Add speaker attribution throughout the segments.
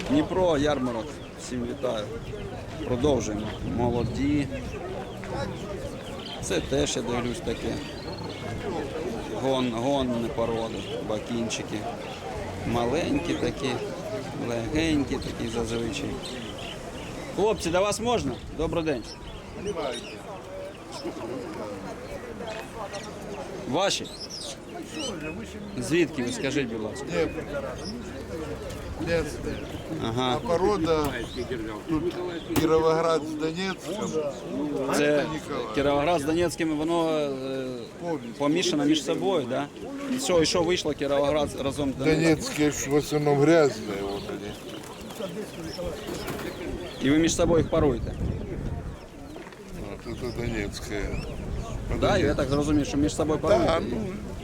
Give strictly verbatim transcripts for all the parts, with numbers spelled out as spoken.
Speaker 1: Дніпро, ярмарок. Всім вітаю. Продовжуємо. Молоді. Це теж, я дивлюсь, таке. Гон, гонні породи, бакінчики. Маленькі такі, легенькі такі зазвичай. Хлопці, до вас можна? Добрий день. Ваші? Звідки ви, скажіть, будь ласка?
Speaker 2: Нет.
Speaker 1: Ага.
Speaker 2: А порода тут Кіровоград з Донецьком.
Speaker 1: Це Кіровоград з Донецьким, воно е, помішано між собою, да? І що, і що вийшло Кіровоград разом з Донецьким?
Speaker 2: Донецькі ж в основному грязні. Вот они.
Speaker 1: І ви між собою їх паруєте?
Speaker 2: Вот это Донецьке.
Speaker 1: Да, я так зрозумів, що між собою паруєте?
Speaker 2: Да, ну,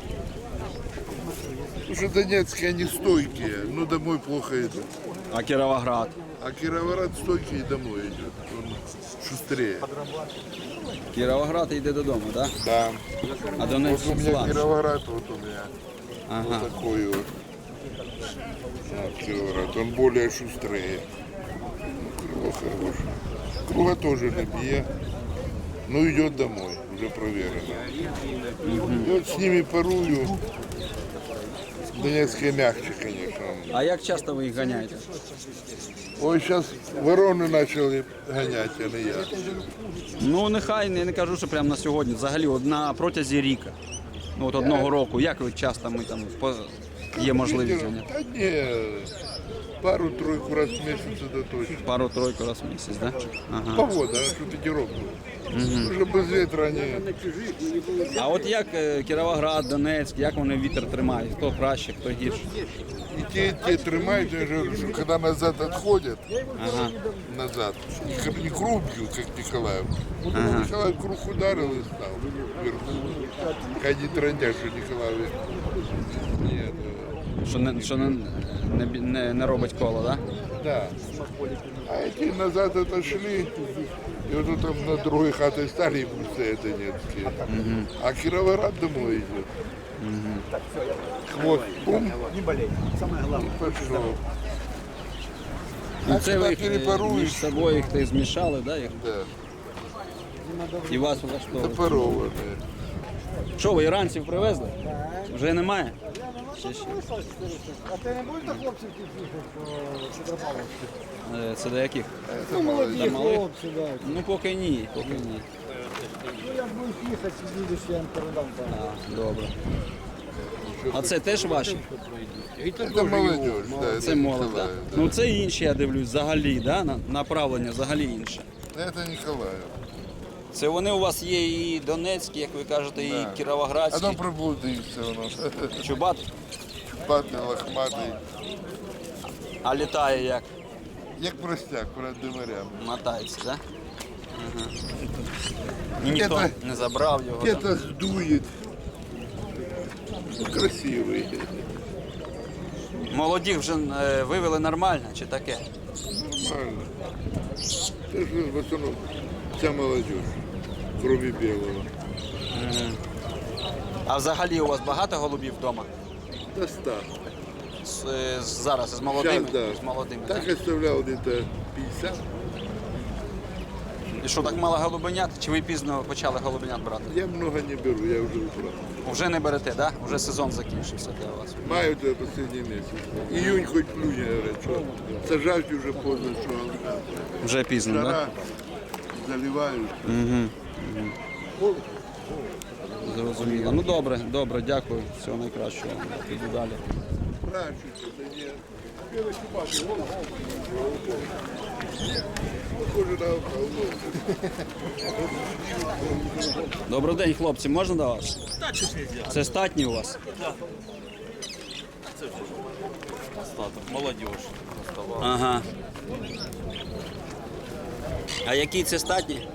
Speaker 2: уже Донецкие они стойкие, но домой плохо идут.
Speaker 1: А Кіровоград?
Speaker 2: А Кіровоград стойкий и домой идет. Он шустрее.
Speaker 1: Кіровоград йде додому, да?
Speaker 2: Да.
Speaker 1: А
Speaker 2: Вот
Speaker 1: Донецьк
Speaker 2: у меня
Speaker 1: слабше.
Speaker 2: Кіровоград, вот у меня.
Speaker 1: Ага.
Speaker 2: Вот такой вот. Вот Кіровоград. Он более шустрее. Ну, крыло хорошее. Круга тоже не бьет. Ну идет домой, уже проверено. И вот с ними парую. Донецкие мягче, конечно.
Speaker 1: А як часто ви їх ганяєте?
Speaker 2: Ой, сейчас вороны начали гонять, а не я.
Speaker 1: Ну, нехай, я не кажу, що прямо на сьогодні. Взагалі, от на протязі ріка. Ну, от одного року. Як ви часто ми там по... є можливість ганяти?
Speaker 2: Да не, пару-тройку раз в месяц это точно.
Speaker 1: Пару-тройку раз в місяць, да? Ага.
Speaker 2: Погода, а что ветерок был. Уже без ветра не...
Speaker 1: А от як е, Кіровоград, Донецьк, як вони вітер тримають? Хто краще, хто гірше?
Speaker 2: И те, и те тримают, я же говорю, что когда назад отходят,
Speaker 1: Ага.
Speaker 2: назад, не, не круг бьют, как Николаев. Ага. Николаев круг ударил и стал вверху. Ходи трындят, что Николаев... Нет, э,
Speaker 1: Що не, що не, не, бі- не, не робить коло, да?
Speaker 2: да. А эти назад отошли, и вот тут там на другой хате стали и пустые донецкие. А Кировоград домой идет. Хвост, бум,
Speaker 3: Не болей. Самое главное.
Speaker 2: пошел.
Speaker 1: Ну,
Speaker 2: А
Speaker 1: це
Speaker 2: коли
Speaker 1: ви їх е,
Speaker 2: перепаруєш?
Speaker 1: між собою їх ти змішали, да? Їх?
Speaker 2: Да,
Speaker 1: І вас влаштовує.
Speaker 2: запарованные.
Speaker 1: Що, ви іранців привезли? Вже немає? Ще, ще.
Speaker 3: А ти не будеш до хлопців їхати в Петропавловську?
Speaker 1: Е, Це до яких?
Speaker 3: Ну, молоді
Speaker 1: До малих?
Speaker 3: хлопці, так.
Speaker 1: Ну, поки ні, поки ні.
Speaker 3: Ну, як будеш їхати, їдеш, я їм передам там.
Speaker 1: А, добре. А це теж ваші?
Speaker 2: Это молодежь, да, это
Speaker 1: Це молодь, да?
Speaker 2: Николаев. Да.
Speaker 1: Ну це інші, я дивлюсь, взагалі, да? на- направлення взагалі інше.
Speaker 2: Это Николаев.
Speaker 1: Це вони у вас є і Донецькі, як ви кажете, і
Speaker 2: Да. А
Speaker 1: Кіровоградські.
Speaker 2: там приблудився у нас.
Speaker 1: Чубат,
Speaker 2: Чубатий, лохматий.
Speaker 1: а літає як?
Speaker 2: Як простяк перед димарями.
Speaker 1: Мотається, да? Ага. І ніхто
Speaker 2: Це-
Speaker 1: не забрав його. да?
Speaker 2: Где-то сдует. Ну, красивый.
Speaker 1: Молодих вже е, вивели нормально чи таке?
Speaker 2: Нормально. Это же в основном вся молодежь, кроме белого.
Speaker 1: А взагалі у вас багато голубів вдома?
Speaker 2: До ста.
Speaker 1: З, е, з- зараз з молодими?
Speaker 2: Сейчас, да.
Speaker 1: З молодими,
Speaker 2: Так
Speaker 1: так?
Speaker 2: оставлял где-то пятьдесят.
Speaker 1: І що, так мало голубенят? Чи ви пізно почали голубенят брати?
Speaker 2: Я много не беру, я уже убрал.
Speaker 1: Вже не берете, так? Да? Вже сезон закінчився для вас.
Speaker 2: Маю это последний месяц. Июнь хоть плюнь, говорят, что сажать уже поздно, что
Speaker 1: Вже пізно, так?
Speaker 2: жара, заливают.
Speaker 1: Зрозуміло. Ну добре, добре, дякую. Всього найкращого. Піду далі.
Speaker 2: Прячутся, да нет. Похоже на около.
Speaker 1: Добрий день, хлопці, можна до вас? Це статні у вас?
Speaker 4: Остаток, молодежь.
Speaker 1: Ага. А який це статні?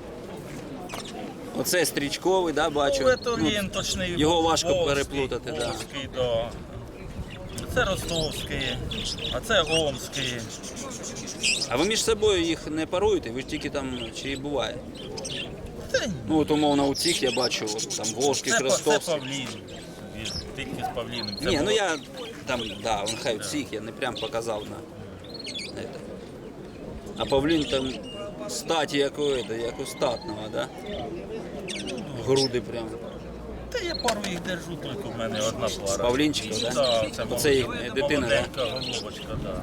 Speaker 1: Оце стрічковий, да, бачу?
Speaker 4: Ну, це
Speaker 1: Ну,
Speaker 4: він точний.
Speaker 1: його важко
Speaker 4: Волзький,
Speaker 1: переплутати, да.
Speaker 4: Волзький, да. Це ростовський, а це омський.
Speaker 1: А ви між собою їх не паруєте? Ви ж тільки там, чи буває?
Speaker 4: Це,
Speaker 1: Ну от умовно у цих я бачу, от, там Волжський,
Speaker 4: це, це
Speaker 1: Крестовський.
Speaker 4: павлін. Він тільки з павліном. Це
Speaker 1: Ні, ну
Speaker 4: було-
Speaker 1: я там, да, он хай у всіх, я не прям показав на. Это. А павлін там статі якої, як у статного, да? Груди прям.
Speaker 4: Та я пару їх держу, тільки в мене одна пара.
Speaker 1: Павлінчиків, да?
Speaker 4: Да, це
Speaker 1: Оце їх
Speaker 4: молоде-
Speaker 1: дитина, да?
Speaker 4: молоденька головочка, да.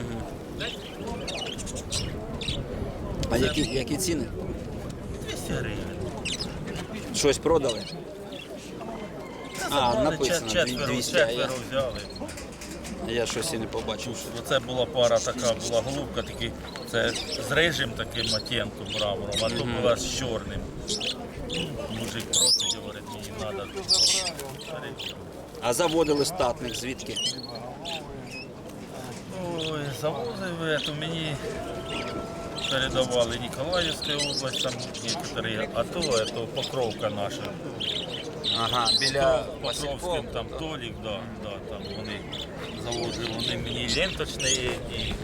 Speaker 1: А які, які ціни?
Speaker 4: двісті гривень.
Speaker 1: Щось продали? А,
Speaker 4: Забрали,
Speaker 1: написано
Speaker 4: чет- четверо,
Speaker 1: двісті, а я,
Speaker 4: четверо взяли.
Speaker 1: я щось і не побачив.
Speaker 4: Оце була пара така, була голубка, такі, це з рижим таким оттінком бравором, а то була з чорним. Мужик просить, говорить, мені треба.
Speaker 1: А заводили статник звідки?
Speaker 4: Ой, завозив, то мені передавали Ніколаївська область, там некоторі, а то, то Покровка наша.
Speaker 1: Ага, біля
Speaker 4: Покровським
Speaker 1: Васильков.
Speaker 4: там Толік, да, да, там вони завозили, вони мені ленточні і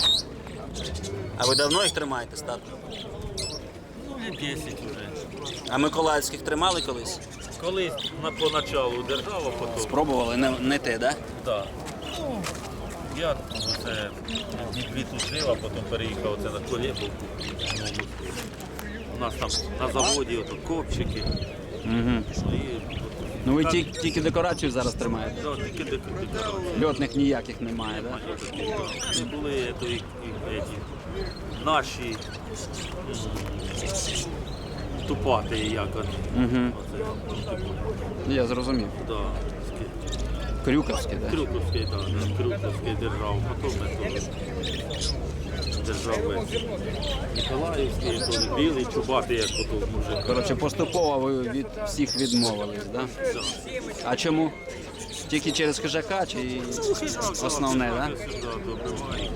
Speaker 1: А ви давно їх тримаєте статник?
Speaker 4: ну, лет десять вже.
Speaker 1: А миколаївських тримали колись?
Speaker 4: Колись на поначалу держава, потім.
Speaker 1: Спробували, не, не те, да?
Speaker 4: Да. Ну, я це дві тут жив, а потім переїхав оце на Колєбовку. У нас там на заводі ото копчики.
Speaker 1: Угу.
Speaker 4: І,
Speaker 1: Ну ви тільки, тільки декорацію зараз тримаєте?
Speaker 4: да, тільки дек- декорації.
Speaker 1: Льотних ніяких немає, да?
Speaker 4: Це були то, і, і, еті, наші м, тупати, як вони.
Speaker 1: Угу.
Speaker 4: Оце, ну, типу,
Speaker 1: Я зрозумів.
Speaker 4: да, такі.
Speaker 1: Крюковські, да?
Speaker 4: Крюковський, так, да, Крюковський держав, потім ми теж держави Ніколаївський, теж білий, чубатий, як ото мужик.
Speaker 1: Коротше, поступово ви від всіх відмовились, да?
Speaker 4: Да.
Speaker 1: А чому? Тільки через хижака чи основне, да?
Speaker 4: Сюди добиває.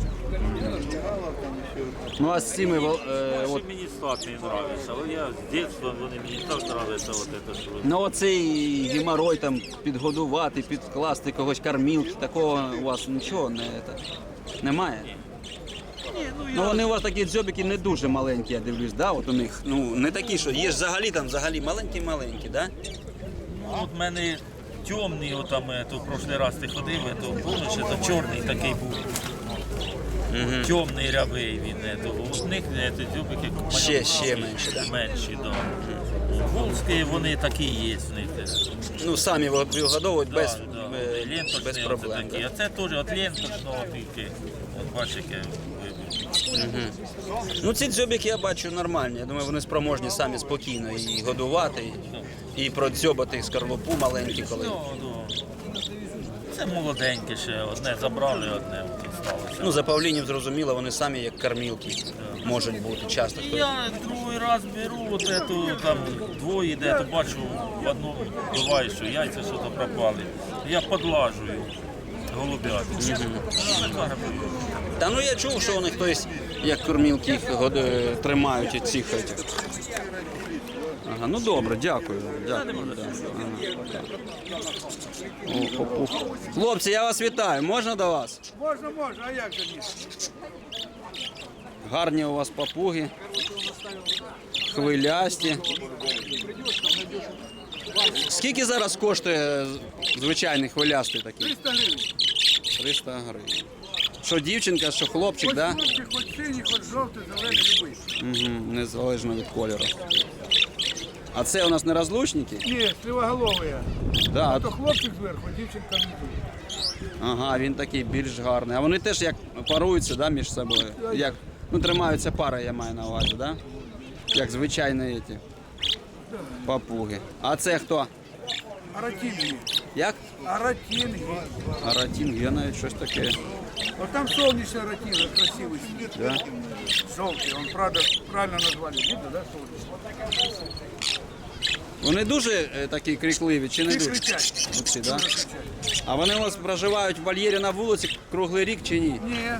Speaker 1: Ну а з цими вол- е,
Speaker 4: Що
Speaker 1: от,
Speaker 4: мені статний нравиться, але я з дитинства вони мені так нравиться, от це, що ви.
Speaker 1: ну оцей геморой там підгодувати, підкласти когось кормілки, такого у вас нічого не, це, немає?
Speaker 4: Ні, ну
Speaker 1: Ну
Speaker 4: я
Speaker 1: вони у вас такі дзьобики не дуже маленькі, я дивлюсь, да? От у них, ну не такі, що є ж взагалі там взагалі маленькі-маленькі, да?
Speaker 4: ну, от мене темний, отам, то в прошлий раз ти ходив, то помниш, то чорний такий був. Темний рябий він, е, то у них е, то дзюбики
Speaker 1: Ще- ще менші, да?
Speaker 4: Менші, да. Волзькі вони такі є в них. е.
Speaker 1: Ну самі вигодовують
Speaker 4: Да,
Speaker 1: без,
Speaker 4: да.
Speaker 1: е,
Speaker 4: Ленточні
Speaker 1: без
Speaker 4: оце
Speaker 1: проблем.
Speaker 4: такі.
Speaker 1: Да?
Speaker 4: А це теж от ленточного тільки. От бачиш, яке вибір.
Speaker 1: Ну ці дзьобики я бачу нормальні. Я думаю, вони спроможні самі спокійно і годувати, і, і продзьобати скорлупу маленькі коли.
Speaker 4: Ну, ну. Це молоденьке ще, одне забрали, одне от сталося.
Speaker 1: Ну за павлінів зрозуміло, вони самі як кормілки можуть бути часто.
Speaker 4: І я другий раз беру, от ету, там двоє йде, то бачу в одному буває, що яйця що то пропали. Я подлажую голубят. Закармлюю.
Speaker 1: Та ну я чув, що вони хтось як кормілки їх год- е, тримають і цих. етих. Ага, ну добре, дякую. Дякую. Да. Ага, так. О, о, о. Хлопці, я вас вітаю. Можна до вас?
Speaker 3: Можна, можна, а як же ні?
Speaker 1: Гарні у вас папуги. Хвилясті. Скільки зараз коштує звичайний хвилястий такий?
Speaker 3: триста гривень.
Speaker 1: триста гривень. Що дівчинка, що хлопчик,
Speaker 3: Хоч
Speaker 1: да?
Speaker 3: хлопчик, хоч синій, хоч жовтий, зелений, любий.
Speaker 1: Угу, незалежно від кольору. А це у нас не розлучники?
Speaker 3: Ні, сливоголовий.
Speaker 1: Да.
Speaker 3: А то хлопчик зверху, а дівчинка внизу.
Speaker 1: Ага, він такий більш гарний. А вони теж як паруються, да, між собою? Як, ну, тримаються пари, я маю на увазі, да? Як звичайні ці папуги. А це хто?
Speaker 3: Аратінги.
Speaker 1: Як?
Speaker 3: Аратінги.
Speaker 1: Аратін, є навіть щось таке.
Speaker 3: Вот там солнечный аратинг, красивый сидит.
Speaker 1: Да?
Speaker 3: Желтый, он правда, правильно назвали. Видно, да, солнечный?
Speaker 1: Вони дуже е, такі крикливі чи не
Speaker 3: І
Speaker 1: дуже?
Speaker 3: кричать.
Speaker 1: Оці, да?
Speaker 3: Дуже кричать.
Speaker 1: А вони у вас проживають в вольєрі на вулиці круглий рік чи ні?
Speaker 3: Ні.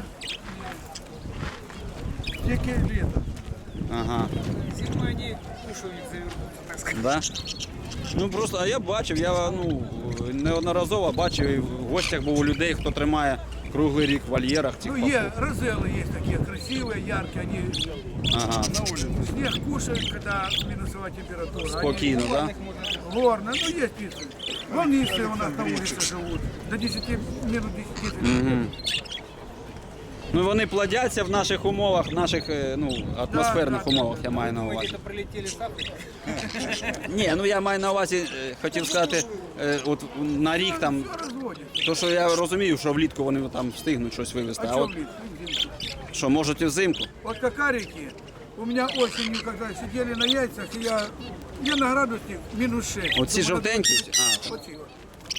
Speaker 3: Тільки літо.
Speaker 1: Ага.
Speaker 3: Зимой они кушают, так сказать.
Speaker 1: Да? Ну просто, а я бачив, я ну, неодноразово бачив і в гостях був у людей, хто тримає круглий рік в вольєрах цих
Speaker 3: Ну, е,
Speaker 1: папуг.
Speaker 3: розелы есть такие красивые, яркие, они
Speaker 1: Ага.
Speaker 3: на улице. Снег кушают, когда минусовая температура.
Speaker 1: Спокійно, да?
Speaker 3: Они горно, ну есть птицы. Волнистые у нас на улице живут. До десяти минут десяти.
Speaker 1: Мгм. Ну вони плодяться в наших умовах, в наших е, ну, атмосферних
Speaker 3: да,
Speaker 1: умовах, я маю на увазі.
Speaker 5: Где-то прилетели с Африки.
Speaker 1: Ні, ну я маю на увазі, е, хотів сказати, е, от на рік там,
Speaker 3: Разводит.
Speaker 1: то що я розумію, що влітку вони там встигнуть щось вивезти,
Speaker 3: А
Speaker 1: а
Speaker 3: что,
Speaker 1: от
Speaker 3: блин?
Speaker 1: що можуть і взимку.
Speaker 3: Вот кокарики у меня осенью, когда сидели на яйцах, и я, я на градусник минус шесть.
Speaker 1: Оці
Speaker 3: Думаю,
Speaker 1: жовтенькі?
Speaker 3: надо-
Speaker 1: А,
Speaker 3: Вот эти вот.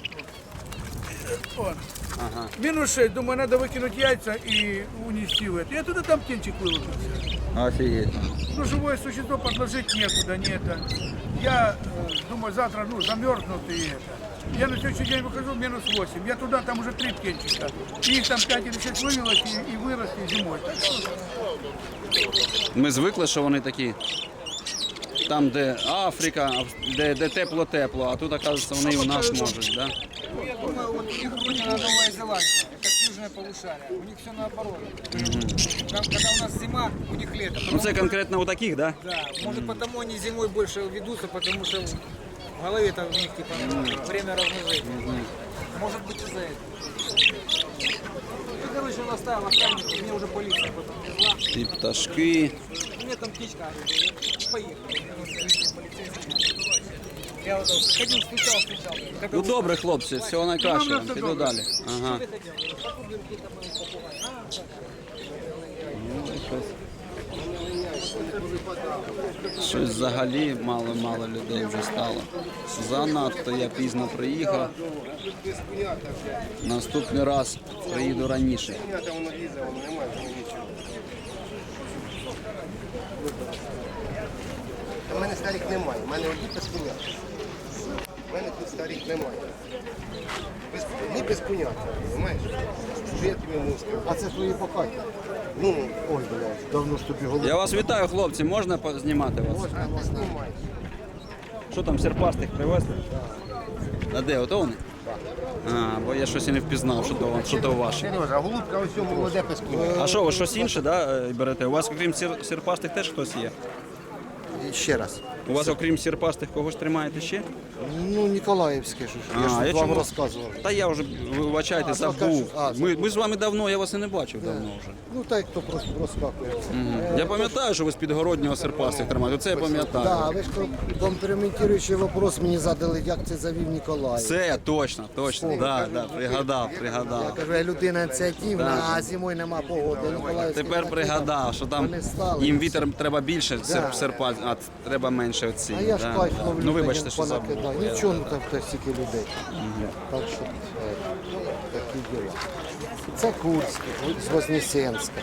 Speaker 3: Вот.
Speaker 1: ага.
Speaker 3: Минус шесть, думаю, надо выкинуть яйца и унести в это. Я туда там птенчик вылупился.
Speaker 1: Офігеть.
Speaker 3: Ну, живое существо подложить некуда, не это. Я э, думаю, завтра, ну, замерзнут и это. Я на следующий день выхожу, минус восемь. Я туда, там уже три птенчика. И их там пять или шесть вывелось и, и выросли зимой. Так что
Speaker 1: Ми звикли, що вони такі. Там, де Африка, де, де тепло-тепло, а тут, оказується, вони і у нас можуть, да?
Speaker 5: Ну, я думаю, вот у них родина Новая Зеландия, как южное полушарие. У них все наоборот. Там, когда у нас зима, у них лето.
Speaker 1: Ну
Speaker 5: Потому-
Speaker 1: це конкретно у таких, да?
Speaker 5: Да, может потому они зимой больше ведутся, потому что в голове-то у них типа время размножения. Может быть из-за этого. Ну, короче, он оставил охранника, мне уже полиция потом везла.
Speaker 1: І пташки.
Speaker 5: У меня там птичка, поехали. Я вот так ходил, стучал, стучал. Когда
Speaker 1: Ну добре, хлопці, всього найкращого. Піду далі. Ага.
Speaker 5: ты хотел? Попугайки там мои попугаи. А, так.
Speaker 1: Щось взагалі мало-мало людей вже стало. Занадто я пізно приїхав. Наступний раз приїду раніше.
Speaker 6: У мене старих немає, у мене одні пескуня. У мене тут старих немає. Без, ні пескунята, розумієш? Що я тобі можу сказати?
Speaker 7: А це твої покаті.
Speaker 6: Ну,
Speaker 7: Ой, блядь, давно ж тобі голову.
Speaker 1: Я вас вітаю, хлопці, можна знімати вас?
Speaker 6: а ти знімаєш.
Speaker 1: Що там, серпастих привезли? А де, ото вони? А, бо я щось і не впізнав, що то, що то ваше.
Speaker 6: Сережа, а голубка ось цьому молоде пескуня.
Speaker 1: А що, ви щось інше, да, е, берете? У вас, окрім сір- сірпастих, теж хтось є?
Speaker 7: Ще раз.
Speaker 1: У вас, окрім сірпастих, когось тримаєте ще?
Speaker 7: Ну, Ніколаївське, що ж. Я ж
Speaker 1: А, я
Speaker 7: вам
Speaker 1: чому?
Speaker 7: розказував.
Speaker 1: Та я вже, вибачайте,
Speaker 7: А,
Speaker 1: забув.
Speaker 7: кажу, а,
Speaker 1: Ми, ми з вами давно, я вас і не бачив давно вже.
Speaker 7: Ну, так, хто просто розкакує.
Speaker 1: Я пам'ятаю, що ви з підгороднього серпастих тримаєте, оце я пам'ятаю.
Speaker 7: Да, ви ж компрометуючий вопрос мені задали, як це завів Ніколаїв.
Speaker 1: Це точно, точно, да, да, пригадав,
Speaker 7: Я
Speaker 1: пригадав.
Speaker 7: кажу, я людина ініціативна, а зимою нема погоди. Ніколаївський
Speaker 1: Тепер
Speaker 7: такі
Speaker 1: пригадав, що там
Speaker 7: вони стали,
Speaker 1: їм
Speaker 7: і
Speaker 1: вітер треба більше,
Speaker 7: Да.
Speaker 1: серп, серпа, а треба менше оці.
Speaker 7: А я ж
Speaker 1: да.
Speaker 7: кайф ловлю.
Speaker 1: Ну вибачте,
Speaker 7: та
Speaker 1: що забув.
Speaker 7: понакидаю. Нічого, ну там хтось стільки людей. Так що е, такі діла. Це Курськ, з Вознесенська.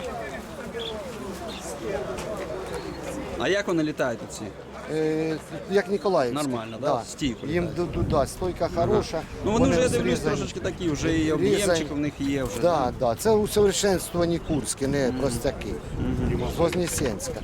Speaker 1: А як вони літають ці?
Speaker 7: Е, як Ніколаївська.
Speaker 1: Нормально, да? Стійко
Speaker 7: Їм
Speaker 1: літають.
Speaker 7: ду- ду- да, стойка хороша.
Speaker 1: Ну вони вже, я
Speaker 7: зрізані.
Speaker 1: дивлюсь, трошечки такі, вже і об'ємчик в них є вже.
Speaker 7: Да, да. Це усовершенствовані Курські, не простяки. З Вознесенська.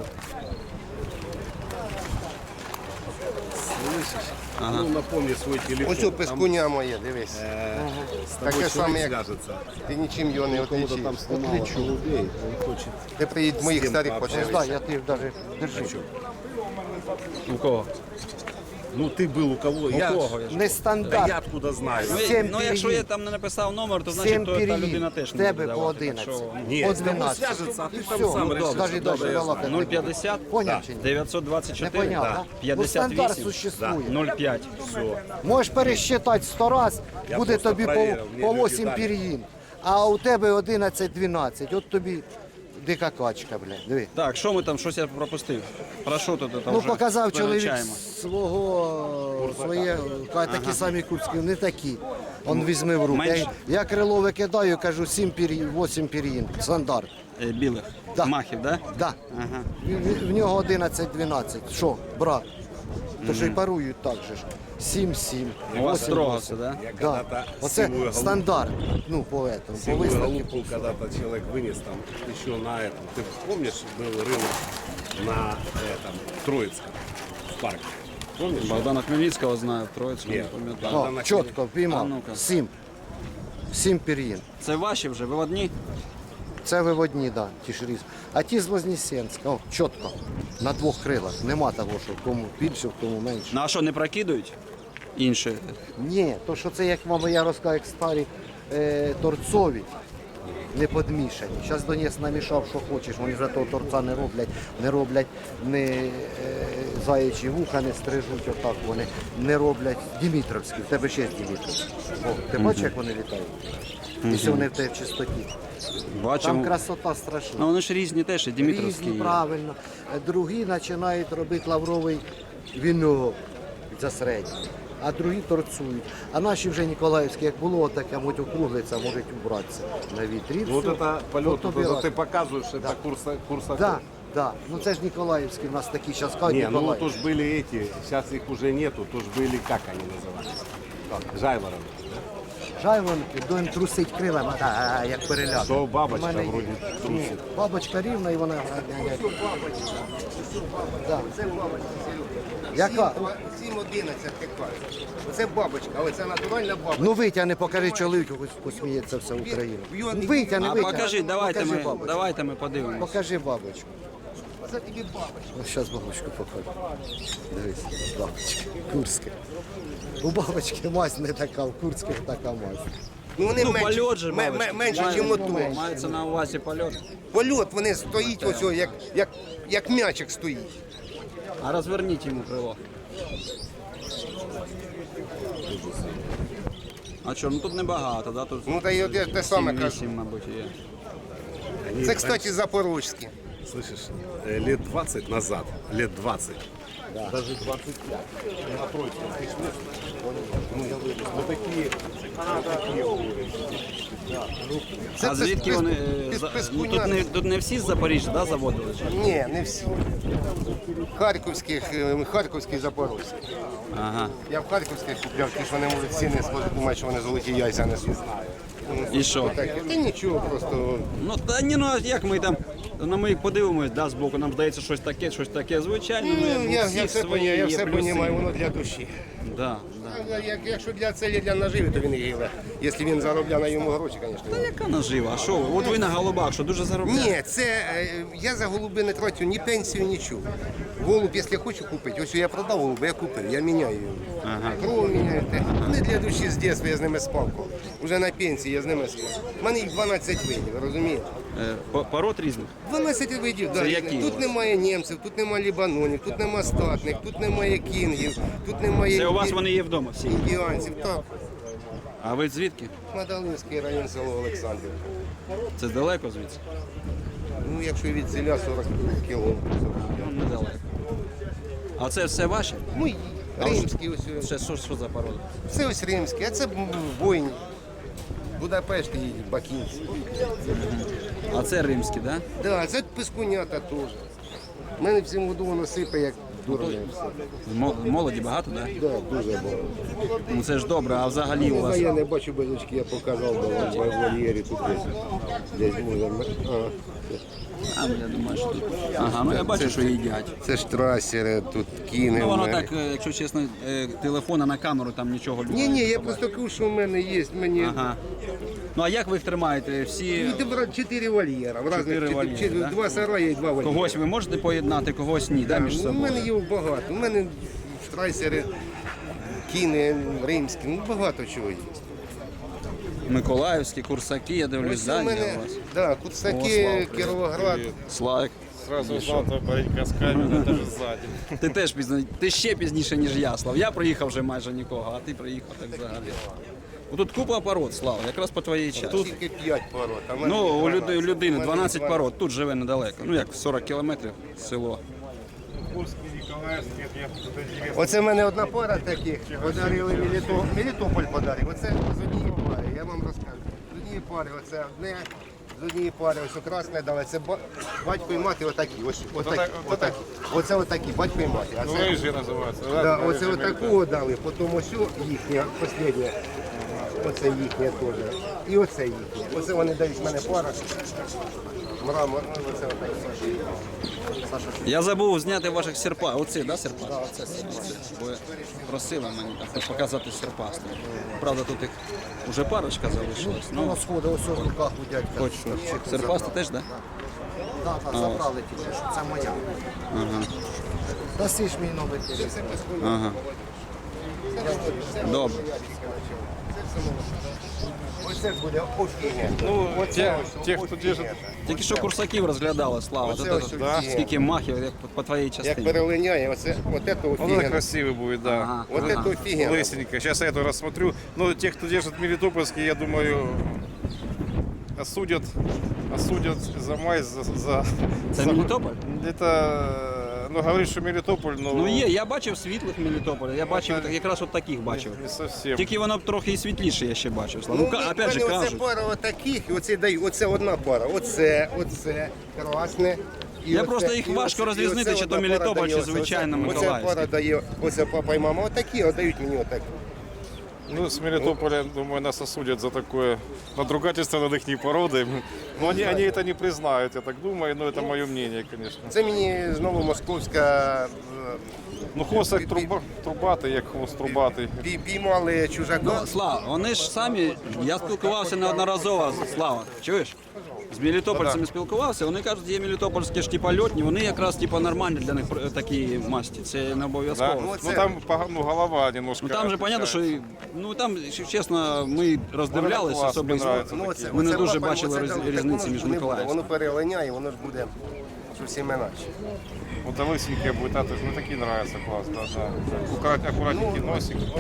Speaker 8: Ну, напомни свой телефон.
Speaker 6: Ось у пескуня моє, дивись. Таке саме, як
Speaker 8: свяжется.
Speaker 6: ти нічим його не
Speaker 8: Кому-то там
Speaker 6: отличиш.
Speaker 8: снимало голубей, он хочет.
Speaker 6: Ти приїдь моїх старих
Speaker 7: Ось, да,
Speaker 6: почав.
Speaker 7: я ти даже держи.
Speaker 1: У кого?
Speaker 8: Ну ты был у кого?
Speaker 1: У
Speaker 8: я,
Speaker 1: кого? Я ж-
Speaker 8: Да
Speaker 7: Нестандарт.
Speaker 8: я откуда знаю?
Speaker 1: Ну,
Speaker 7: Сім
Speaker 1: ну якщо
Speaker 7: пір'їн.
Speaker 1: я там не написав номер, то значить
Speaker 7: Сім
Speaker 1: то, та людина
Speaker 7: пір'їн.
Speaker 1: теж
Speaker 7: В
Speaker 1: не
Speaker 7: тебе
Speaker 1: буде
Speaker 7: по
Speaker 1: давати. Так
Speaker 7: одинадцять.
Speaker 1: що,
Speaker 8: Нет,
Speaker 7: По
Speaker 8: с тобой
Speaker 7: двенадцять.
Speaker 8: свяжется, а ты
Speaker 7: І
Speaker 8: там
Speaker 7: все.
Speaker 8: сам
Speaker 7: Ну,
Speaker 8: решишь.
Speaker 7: Скажи,
Speaker 8: Добре,
Speaker 7: дальше
Speaker 8: я
Speaker 7: балакати.
Speaker 1: нуль п'ятдесят,
Speaker 7: Поняв чи ні?
Speaker 1: дев'ятсот двадцять
Speaker 7: Не
Speaker 1: чотири,
Speaker 7: поняв, да? Ну,
Speaker 1: п'ятдесят
Speaker 7: стандарт
Speaker 1: вісім,
Speaker 7: существує.
Speaker 1: нуль п'ять.
Speaker 7: Можеш пересчитати сто раз,
Speaker 8: Я
Speaker 7: буде
Speaker 8: просто
Speaker 7: тобі по,
Speaker 8: проверив, мені
Speaker 7: по
Speaker 8: люди
Speaker 7: вісім
Speaker 8: дали.
Speaker 7: пір'їн. А у тебе одинадцять-дванадцять. От тобі дика качка, блядь. Диви.
Speaker 1: Так, що ми там, щось я пропустив? Про що тут там
Speaker 7: Ну,
Speaker 1: вже
Speaker 7: показав чоловік
Speaker 1: визначаємо?
Speaker 7: свого, своє, каже, такі самі курські, не такі. Он візьме в руки.
Speaker 1: Менше?
Speaker 7: Я, я крило викидаю, кажу, сім пір'їн, вісім пір'їн, стандарт.
Speaker 1: Е, Білих,
Speaker 7: Да.
Speaker 1: махів, да?
Speaker 7: Да.
Speaker 1: Ага.
Speaker 7: В, в- в нього одинадцять-дванадцять. Що, брат? То що й парують так же ж. сім-сім.
Speaker 1: У вас
Speaker 7: вісім,
Speaker 1: строго
Speaker 7: вісім.
Speaker 1: це, да?
Speaker 8: Я
Speaker 7: Да.
Speaker 8: когда-то
Speaker 7: Оце
Speaker 8: сивую голубку,
Speaker 7: стандарт. Ну, по этому, по
Speaker 8: сивую
Speaker 7: виставці.
Speaker 8: голубку когда-то человек вынес там еще на этом. Ты помнишь, был рынок на этом Троицком в парке? Помнишь?
Speaker 1: Богдана Хмельницького знаю, Троїцького не
Speaker 8: Ні.
Speaker 1: пам'ятаю.
Speaker 7: О,
Speaker 8: Богдана
Speaker 7: чітко,
Speaker 1: А
Speaker 7: піймав.
Speaker 1: ну-ка.
Speaker 7: Сім. Сім пір'їн.
Speaker 1: Це ваші вже, ви одні?
Speaker 7: Це виводні, да, ті ж різ. А ті з Вознесенська, о, чітко. На двох крилах. Нема того, що кому більше, кому менше.
Speaker 1: Ну а що, не прокидують? Інші.
Speaker 7: Ні, то що це, як мама, я розказав, як старі е, торцові. не подмішані. Зараз Донець намішав, що хочеш, вони вже того торця не роблять, не роблять не е, заячі вуха, не стрижуть отак вони, не роблять Дімітровські, в тебе ще є Дімітровські. О, ти бачиш, як вони літають? Якщо вони в тебе в чистоті. Там
Speaker 1: Бачимо.
Speaker 7: красота страшна.
Speaker 1: Ну вони ж різні теж, і Дімітровські.
Speaker 7: Різні,
Speaker 1: є.
Speaker 7: правильно. Е, Другі починають робити лавровий вінок за середній, а другі торцують. А наші вже Ніколаївські, як було, таке, можуть округлиться, можуть убратися на вітрі.
Speaker 8: Вот
Speaker 7: все.
Speaker 8: это полет,
Speaker 7: Вот
Speaker 8: вот
Speaker 7: убирать.
Speaker 8: это ты показываешь, это курса, курса.
Speaker 7: Да, да. Ну це ж Ніколаївські, у нас такі зараз кажуть,
Speaker 8: Не, ну то
Speaker 7: Ніколаївські.
Speaker 8: ж были эти, сейчас их уже нету, то ж были, как они назывались? Жайворонки.
Speaker 7: Жайвонки, доїм трусить крилами, а, як переляк.
Speaker 8: То бабочка
Speaker 7: У мене є.
Speaker 8: вроде
Speaker 7: Ні,
Speaker 8: трусить.
Speaker 7: бабочка рівна і вона... Да. Яка?
Speaker 6: сім одинадцять гектарів. Оце бабочка, але це натуральна бабочка.
Speaker 7: Ну витягни, покажи чоловіку, хоч посміється вся Україна. Витягни,
Speaker 1: А
Speaker 7: витягни.
Speaker 1: покажи, давайте
Speaker 7: Покажи
Speaker 1: ми,
Speaker 7: бабочку.
Speaker 1: давайте ми подивимось.
Speaker 7: Покажи бабочку.
Speaker 6: Це тобі бабочка.
Speaker 7: Ось зараз бабочку покажу. Дивись, бабочка. Курська. У бабочки мазь не така, у курських така мазь.
Speaker 6: Ну вони
Speaker 1: Ну,
Speaker 6: менше,
Speaker 1: польот же,
Speaker 6: ме- ме-
Speaker 1: бабочка.
Speaker 6: менше,
Speaker 1: Має-
Speaker 6: ніж мотор.
Speaker 1: Мається на увазі польот.
Speaker 6: Польот, вони стоїть ось, о, як, як, як м'ячик стоїть.
Speaker 1: А розверніть йому крило. А що, ну тут небагато, да? Тут
Speaker 6: Ну та й от я те саме кажу.
Speaker 1: сім-вісім, мабуть, є.
Speaker 8: Они
Speaker 6: Це, кстати, запорожські.
Speaker 8: раньше, слышишь, э, лет двадцать назад, лет двадцать, даже двадцать пять, на Троицком пришлось. Ну, ну такие, ну, такие уровни.
Speaker 6: Це
Speaker 1: А звідки
Speaker 6: пес-
Speaker 1: вони?
Speaker 6: пес-
Speaker 1: е, за-
Speaker 6: пес-
Speaker 1: Ну, тут, не, тут не всі з Запоріжжя, да, заводили? чи?
Speaker 6: Ні, не всі. Харківських, е, харківські запорожські.
Speaker 1: Ага.
Speaker 6: Я в харківських купляв, ті, що вони можуть ціни сходити, думають, що вони золоті яйця несуть.
Speaker 1: І що?
Speaker 6: Так, та нічого, просто
Speaker 1: Ну та ні, ну а як ми там, ну ми подивимось, да, збоку, нам здається щось таке, щось таке. Звичайно,
Speaker 6: ну,
Speaker 1: ми, у
Speaker 6: я,
Speaker 1: всіх
Speaker 6: я все
Speaker 1: свої
Speaker 6: поняв, я
Speaker 1: є
Speaker 6: все
Speaker 1: плюси.
Speaker 6: розумію, воно для душі.
Speaker 1: Да, да.
Speaker 6: А Як, якщо для целі, для наживи, то він і гіле. Якщо він заробляє на йому гроші, звісно.
Speaker 1: Яка нажива? А що ви? От ви на голубах, що дуже заробляєте?
Speaker 6: Ні, це е, я за голуби не трачу ні пенсію, нічого. Голуб, якщо хочу купити, ось я продав голуба, я купив, я міняю його.
Speaker 1: Ага.
Speaker 6: Кров міняю. те. Вони для душі з дитинства, я з ними спав. Уже на пенсії я з ними спав. У мене їх дванадцять видів, розумієте?
Speaker 1: Е, по- Пород різних.
Speaker 6: дванадцять видів, да.
Speaker 1: Це
Speaker 6: різних.
Speaker 1: які у
Speaker 6: Тут
Speaker 1: вас?
Speaker 6: немає німців, тут немає лібанонів, тут немає статних, тут немає кінгів, тут немає
Speaker 1: Це у вас
Speaker 6: інді-
Speaker 1: вони є вдома всі.
Speaker 6: індіанців. Так,
Speaker 1: А ви звідки?
Speaker 6: Мадалинський район, село Олександрів.
Speaker 1: Це далеко звідси?
Speaker 6: Ну, якщо від селя сорок кілометрів.
Speaker 1: Ну, недалеко. А це все ваше?
Speaker 6: Мої, римські ось. ось.
Speaker 1: Це що, що за порода?
Speaker 6: Це ось римські, а це бойні. Будапешт і бакінці.
Speaker 1: А це римські, так? Да?
Speaker 6: Да, це пискунята теж. У мене в цьому году воно сипе, як дурне все.
Speaker 1: Мо- Молоді багато, так? Да?
Speaker 6: Да, дуже багато.
Speaker 1: Ну це ж добре, а взагалі у
Speaker 6: Ну,
Speaker 1: вас.
Speaker 6: я не бачу безочки, я показав в вольєрі тут десь. Десь може. А,
Speaker 1: А, ну, я думаю, що тут. Ага, ну я бачу, що їдять.
Speaker 6: це ж трасери, тут кіни.
Speaker 1: Ну
Speaker 6: в
Speaker 1: воно
Speaker 6: мене.
Speaker 1: так, е, якщо чесно, е, телефона на камеру там нічого
Speaker 6: Ні, ні, я просто кажу, що в мене є. Мені
Speaker 1: Ага. Ну а як ви їх тримаєте? Всі
Speaker 6: Ну, ти брат, чотири вольєра. В разних,
Speaker 1: Чотири
Speaker 6: чотири-
Speaker 1: вольєри,
Speaker 6: чотири-
Speaker 1: да?
Speaker 6: Два сараї і два вольєра.
Speaker 1: когось ви можете поєднати, когось ні, да, між
Speaker 6: Ну, у
Speaker 1: собою?
Speaker 6: мене їх багато. У мене штрайсери, кіни, римські, ну багато чого є.
Speaker 1: Миколаївські, курсаки, я дивлюсь,
Speaker 6: Ось у
Speaker 1: да,
Speaker 6: мене,
Speaker 1: є у вас.
Speaker 6: да,
Speaker 1: О,
Speaker 6: Куцаки,
Speaker 1: Слава,
Speaker 6: Кіровоград.
Speaker 1: Славик,
Speaker 9: Сразу узнал твой паренька с камерой, даже сзади.
Speaker 1: ти теж пізно, ти ще пізніше, ніж я, Слав. Я приїхав вже майже нікого, а ти приїхав так взагалі. Тут купа пород, Слава, якраз по твоїй часті.
Speaker 6: Тут тільки п'ять пород. а в мене
Speaker 1: Ну, у
Speaker 6: дванадцять.
Speaker 1: люди- у людини
Speaker 6: У мене
Speaker 1: дванадцять пород, тут живе недалеко. Ну як, сорок кілометрів село.
Speaker 9: Курский, Николаевский, я тут интересно.
Speaker 6: Оце в мене одна пара таких. Подарили Меліто... Мелітополь подарив. Оце з однієї пари, я вам розкажу. З однієї пари, оце одне, з однієї пари, ось красне дали. Це ба- батько і мати отакі. Ось, отакі,
Speaker 9: Отак-
Speaker 6: отакі. Оце отакі, батько і мати. А
Speaker 9: Ну,
Speaker 6: це,
Speaker 9: рыжий называется.
Speaker 6: да, оце отаку дали, потім ось їхня, останнє. Оце їхнє теж. І оце їхнє. Оце вони дають в мене пара. Мрамор, ну, оце отакі.
Speaker 1: Я забув зняти ваших серпа. Оці, да, серпа? Оце, оце. Бо просили мені так показати серпасти. Правда, тут їх вже парочка залишилась.
Speaker 7: Ну,
Speaker 1: Ну,
Speaker 7: сходи, ось в руках у дядька.
Speaker 1: хоч що. Серпасти теж, так? Да?
Speaker 7: Так, так, забрали тільки, що це моя.
Speaker 1: Ага.
Speaker 7: Даси ж мій номер телефону.
Speaker 1: Ага. Добре.
Speaker 6: Оце буде офігенно.
Speaker 9: Ну,
Speaker 6: Оце
Speaker 9: те,
Speaker 6: ось
Speaker 9: те, кто
Speaker 6: офігенно.
Speaker 9: держит,
Speaker 1: Тільки що курсаків розглядали, Слава.
Speaker 6: Оце
Speaker 1: От
Speaker 6: ось
Speaker 1: це-
Speaker 6: офігенно.
Speaker 1: Скільки махів, як по- по твоїй
Speaker 6: Як
Speaker 1: частині.
Speaker 6: перелиняє, оце, от це
Speaker 9: он это
Speaker 6: офігенно.
Speaker 9: красивый будет, да.
Speaker 1: Ага.
Speaker 6: От це офігенно.
Speaker 9: Лысенько. Сейчас я это рассмотрю. Но те, кто держит Мелитопольский, я думаю, осудят, осудят за май, за... за
Speaker 1: Це
Speaker 9: за-
Speaker 1: Мелітополь?
Speaker 9: Это, ну, говорит, что Мелитополь, но...
Speaker 1: Ну є, я бачив світлих Мелітополя, я бачив от- якраз от таких бачив.
Speaker 9: Не совсем.
Speaker 1: Тільки воно трохи і світліше я ще бачив. Слава. Ну,
Speaker 6: Ну,
Speaker 1: ка- опять же,
Speaker 6: оце
Speaker 1: кажуть.
Speaker 6: пара отаких, і оце даю, оце одна пара. Оце, оце, красне. І
Speaker 1: Я
Speaker 6: оце,
Speaker 1: просто їх
Speaker 6: і
Speaker 1: важко
Speaker 6: оце,
Speaker 1: розрізняти,
Speaker 6: і
Speaker 1: чи
Speaker 6: оце
Speaker 1: то
Speaker 6: одна пара
Speaker 1: Мелітополь,
Speaker 6: дає
Speaker 1: чи
Speaker 6: оце.
Speaker 1: звичайно
Speaker 6: Оце
Speaker 1: Миколаївський.
Speaker 6: пара дає, оце папа і мама отакі, а дають мені отакі.
Speaker 9: Ну, с Мелитополя, думаю, нас осудят за такое надругательство над их породой. Но они, они это не признают, я так думаю, но это мое мнение, конечно.
Speaker 6: Це мені знову московська е,
Speaker 9: Ну, хвост як труба, трубатий, як хвост трубатий.
Speaker 6: пій- піймали чужака.
Speaker 1: Ну, Слава, вони ж самі, я спілкувався неодноразово, Слава, чуєш? З мелітопольцями спілкувався, вони кажуть, є мелітопольські ж типа льотні, вони якраз типа нормальні для них е, такі масті, це не
Speaker 9: Да?
Speaker 1: обов'язково.
Speaker 6: Ну,
Speaker 9: Ну,
Speaker 6: це-
Speaker 9: там пога- ну, голова немножко.
Speaker 1: Ну там же понятно, що і- ну там, якщо чесно, ми роздивлялися
Speaker 9: клас,
Speaker 1: особи.
Speaker 9: мені нравиться.
Speaker 6: Ну, оце-
Speaker 1: Ми не
Speaker 6: оце
Speaker 1: дуже
Speaker 6: папа,
Speaker 1: бачили
Speaker 6: оце
Speaker 1: різ-
Speaker 6: так,
Speaker 1: різниці
Speaker 6: воно
Speaker 1: між
Speaker 6: не буде,
Speaker 1: Миколаївським.
Speaker 6: Воно перелиняє, воно ж буде зовсім інакше.
Speaker 9: Вот а лысенькие будет, а, то есть, ну такие нравятся, класс, да, да. Аккурат, аккуратненький носик.